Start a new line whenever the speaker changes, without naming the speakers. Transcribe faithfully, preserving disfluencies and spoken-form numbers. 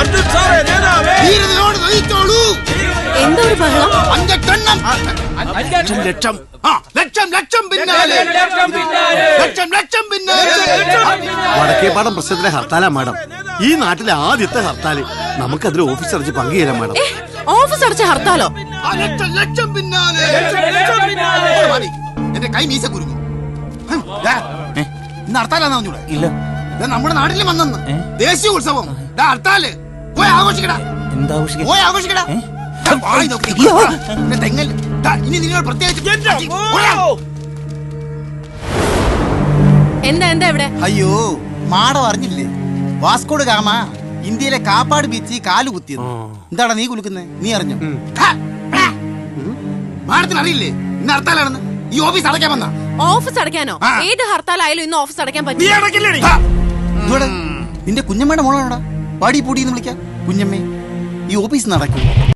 എന്തൊരു ബഹളം?
ലക്ഷം ലക്ഷം ലക്ഷം ലക്ഷം പിന്നാലെ ലക്ഷം ലക്ഷം പിന്നാലെ. വടക്കേപ്പാടം പ്രശ്നത്തിലെ ഹർത്താലാ മാഡം. ഈ നാട്ടിലെ ആദ്യത്തെ ഹർത്താല്. നമുക്കതിൽ ഓഫീസ് അടച്ച് പങ്കുചേരാം മാഡം.
ഓഫീസ് അടച്ച ഹർത്താലോ?
ലക്ഷം ലക്ഷം പിന്നാലെ. എന്റെ കൈ മീശ കുരുങ്ങും. ഇന്ന് ഹർത്താലാന്ന് പറഞ്ഞൂടെ?
ഇല്ല,
നമ്മുടെ നാട്ടിൽ വന്നെന്ന് ദേശീയ ഉത്സവം ഹർത്താല്. പോയി ആഘോഷിക്കടാ.
എന്താ ആഘോഷിക്ക?
പോയി ആഘോഷിക്കടാ. തെങ്ങൽ ഇനി നിന്നോട് പ്രത്യേകിച്ച്
എന്താ എന്താ ഇവിടെ?
അയ്യോ, മാടം അറിഞ്ഞില്ലേ? വാസ്കോഡ് ഗാമ ഇന്ത്യയിലെ കാപ്പാട് ബീച്ച് കാല് കുത്തിയത്. എന്താടാ നീ കുലുക്കുന്നേ? നീ അറിഞ്ഞോ?
മാഡത്തിന് അറിയില്ലേ ഇന്ന് ഹർത്താലാണെന്ന്? ഈ ഓഫീസ് അടയ്ക്കാൻ വന്ന.
ഓഫീസ് അടയ്ക്കാനോ? ഏത് ഹർത്താലായാലും ഇന്ന് ഓഫീസ് അടയ്ക്കാൻ പറ്റും.
നിന്റെ കുഞ്ഞമ്മയുടെ മോളാണോടാ? പാടി പൂടി എന്ന് വിളിക്കാം. കുഞ്ഞമ്മേ, ഈ ഓഫീസ് നടക്കും.